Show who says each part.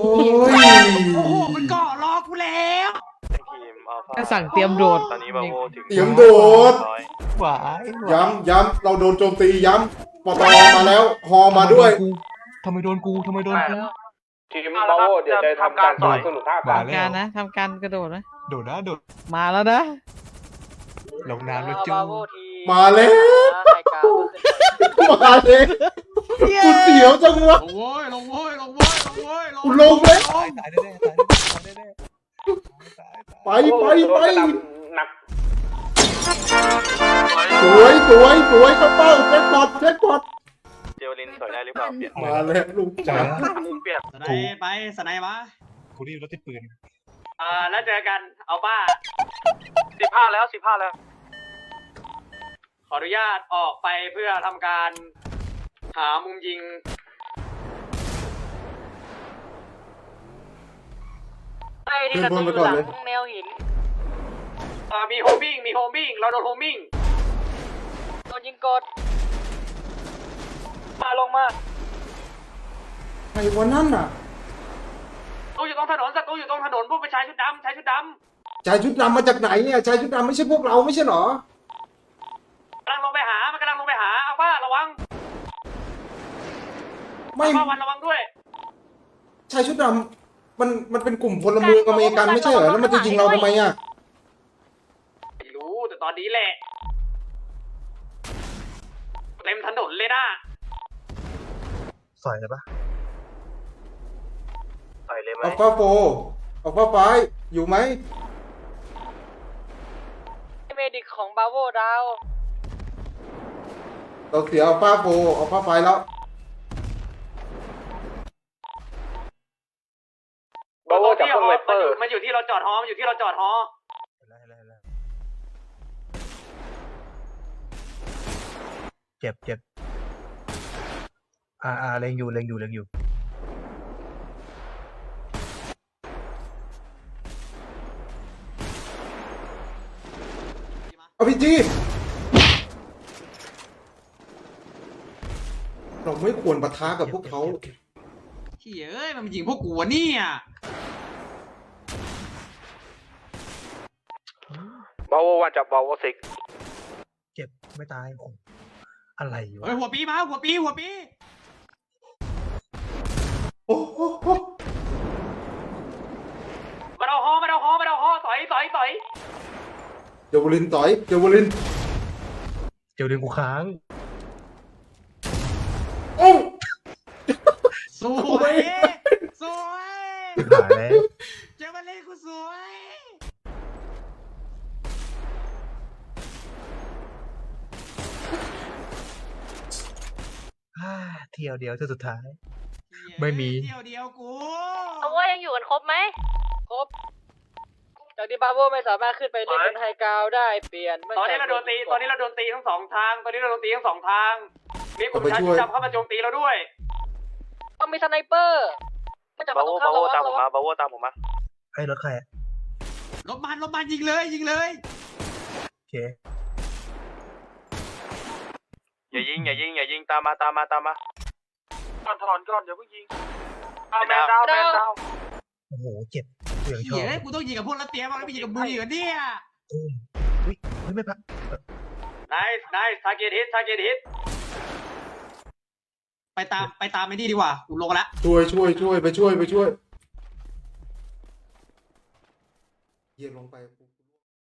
Speaker 1: ย
Speaker 2: โอ้โหมันเกาะรอกูแล้ว
Speaker 3: ทีมอัลฟา
Speaker 4: ก็สั่งเตรียมโดด
Speaker 3: ตอนนี้บาโวถึง
Speaker 1: เตรียมโดด
Speaker 4: หวาย
Speaker 1: ย้ำเราโดนโจมตีย้ำปตมาแล้วฮอมาด้วย
Speaker 4: ทำไมโดนกูทำไมโดนกู
Speaker 3: ทีมบาโวเดี๋ยวจะทำการต่อยสรุปภาพ
Speaker 4: มา
Speaker 3: กัน
Speaker 4: แล้ว
Speaker 5: การนะทำการกระโดดนะ
Speaker 4: โดดนะโดด
Speaker 5: มาแล้วนะ
Speaker 4: ลงน้ำแล้วจู้
Speaker 1: มาแล้วมาเลยกูเสียวจังวะ
Speaker 2: ลงโว้ยลงโว้ยลงโว้ยลงโว้ย
Speaker 1: กูลงแล้ว
Speaker 4: ตายแน่ๆตายแน่ๆตาย
Speaker 1: ไป
Speaker 3: หนัก
Speaker 1: สวยเข้าเป้าแจ็คพอต
Speaker 3: เจลลินสวยได้หรือเปล่าเปลี่ยน
Speaker 1: มาแล้วลูกจ๋า
Speaker 3: มุมเปลี่ยน
Speaker 2: สไนไปสไนมา
Speaker 4: กูรีบรถติดปืน
Speaker 2: แล้วเจอกันเอาป้า
Speaker 3: 15แล้ว15แล้ว
Speaker 2: ขออนุญาตออกไปเพื่อทำการหามุมยิง
Speaker 1: ขึ้นบนไปก่อนเลย
Speaker 5: แนวหิน
Speaker 2: มีโฮมมิ่งเราโดนโฮมมิ่ง
Speaker 5: โดนยิงกด
Speaker 3: มาลงมา
Speaker 1: ใครวันนั้นน่ะ
Speaker 2: ตู้อยู่ตรงถนนศัตรูอยู่ตรงถนนพวกไปชายชุดดำ
Speaker 1: ชายชุดดำมาจากไหนเนี่ยชายชุดดำไม่ใช่พวกเราไม่ใช่เหรอก
Speaker 2: ำลังลงไปหามันกำลังลงไปหาเอาป้าระวัง
Speaker 1: ไม่
Speaker 2: เอาป้าวันระวังด้วย
Speaker 1: ชายชุดดำมันเป็นกลุ่มพลเมืองอเมริกันไม่ใช่เหรอแล้วมันจะยิงเราทำไมอ่ะ
Speaker 2: ไม่รู้แต่ตอนนี้แหละเต็มถนนเลยนะ
Speaker 4: สอยเลยปะ
Speaker 3: ต่อยเลยไหม
Speaker 1: อัลฟาโฟอัลฟาไฟอยู่ไหม
Speaker 5: เมดิกของบาโวดาว
Speaker 1: เราเสียอัลฟาโฟอัลฟาไฟแล้ว
Speaker 3: บาโวจับพวกไวเปอร์
Speaker 2: มันอยู่ที่เราจอดฮอ
Speaker 4: เจ็บเล็งอยู่
Speaker 1: เอาพีจีเราไม่ควรปะทะกับพวกเขา
Speaker 2: เอ้ยมันยิงพวกกูวะเนี่ย
Speaker 3: บาโววันจับบาโวซิก
Speaker 4: เจ็บไม่ตายโอ้อะไรวะ
Speaker 2: เฮ้ยหัวปีมาหัวปี
Speaker 1: โอ้โห
Speaker 2: มาเอาฮอต่อย
Speaker 1: เจวลินต่อยเจวลิน
Speaker 4: เจลดึงกูค้าง
Speaker 1: โอ้
Speaker 2: สวย
Speaker 4: หายแล้ว
Speaker 2: เจ้ามาเล่นกูสวย
Speaker 4: เที่ยวเดียวเที่ยวสุดท้าย ไม่มี
Speaker 2: เที่ยวเดียวกู
Speaker 5: เอาว่ายังอยู่กันครบไหมครบจากที่บาโวไม่สามารถขึ้นไปเล่นบนไฮกราวด์ได้เปลี่ยน
Speaker 2: ตอนนี้เราโดนตีทั้งสองทางมีกลุ่มชายชุดดำเข้ามาโจมตีเราด้วย
Speaker 5: ต้องมีสไนเปอร์ไม่จับ
Speaker 3: บา
Speaker 5: ต
Speaker 3: โว
Speaker 5: รงข้า
Speaker 3: บาม โว
Speaker 5: ระวัง
Speaker 3: ตามผ
Speaker 5: ระ
Speaker 3: ม
Speaker 5: วั
Speaker 3: มาง บาโวตามผมมา
Speaker 4: ไอ้รถใครอะ
Speaker 2: ลบมันยิงเลย
Speaker 4: โอเค
Speaker 3: อย่ายิงตามมาก่อนถอนก่อนอย่าเพิ่งยิงแมนดาว
Speaker 4: โอ้โหเจ็บกูยังชอบ
Speaker 2: กูต้องยิงกับพวกรัสเซียบ้างแล้วไม่ยิงกับมึงอีกเหรอเนี่ย
Speaker 4: ตุ้มเฮ้ยไม่พัก
Speaker 2: nice target hit ไปตามไอ้นี่ดีกว่ากูลงแล้ว
Speaker 1: ช่วยไปช่วยเยี่ยลงไป